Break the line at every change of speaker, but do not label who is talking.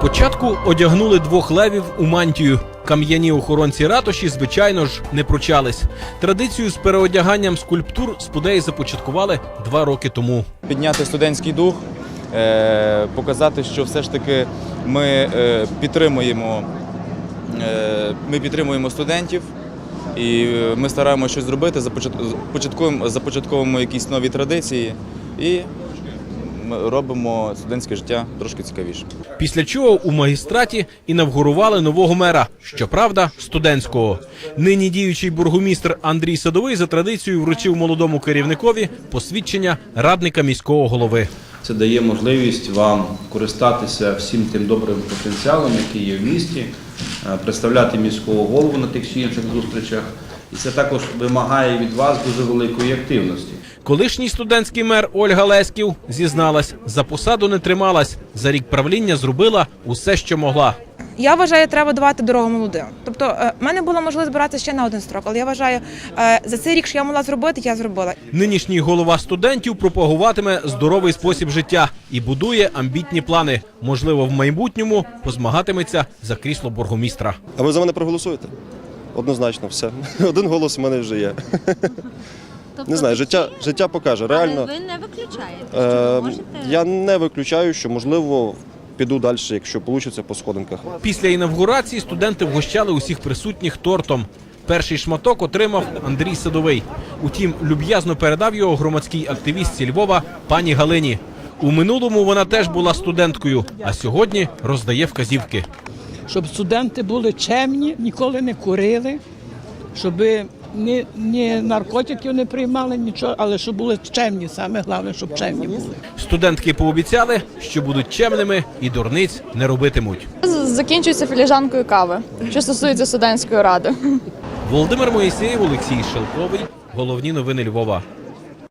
Спочатку одягнули двох левів у мантію. Кам'яні охоронці ратуші, звичайно ж, не пручались. Традицію з переодяганням скульптур спудеї започаткували 2 роки тому.
Підняти студентський дух, показати, що все ж таки ми підтримуємо студентів і ми стараємося щось зробити, започатковуємо якісь нові традиції і робимо студентське життя трошки цікавіше.
Після чого у магістраті інавгурували нового мера, щоправда, студентського. Нині діючий бургомістр Андрій Садовий за традицією вручив молодому керівникові посвідчення радника міського голови.
Це дає можливість вам користатися всім тим добрим потенціалом, який є в місті, представляти міського голову на тих чи інших зустрічах. І це також вимагає від вас дуже великої активності.
Колишній студентський мер Ольга Леськів зізналась, за посаду не трималась, за рік правління зробила усе, що могла.
Я вважаю, треба давати дорогу молодим. Тобто, в мене була можливість збиратися ще на 1 строк, але я вважаю, за цей рік, що я могла зробити, я зробила.
Нинішній голова студентів пропагуватиме здоровий спосіб життя і будує амбітні плани. Можливо, в майбутньому позмагатиметься за крісло бургомістра.
А ви за мене проголосуєте? Однозначно, все. 1 голос у мене вже є.
Тобто
Не знаю, життя покаже. Реально,
але ви не виключаєте, що ви можете...
Я не виключаю, що, можливо, піду далі, якщо вийде, по сходинках.
Після інавгурації студенти вгощали усіх присутніх тортом. Перший шматок отримав Андрій Садовий. Утім, люб'язно передав його громадській активістці Львова пані Галині. У минулому вона теж була студенткою, а сьогодні роздає вказівки.
Щоб студенти були чемні, ніколи не курили, щоб ні наркотиків не приймали, нічого, але щоб були чемні, саме головне, щоб чемні були.
Студентки пообіцяли, що будуть чемними і дурниць не робитимуть.
Закінчується філіжанкою кави, що стосується студентської ради.
Володимир Моїсеєв, Олексій Шелковий. Головні новини Львова.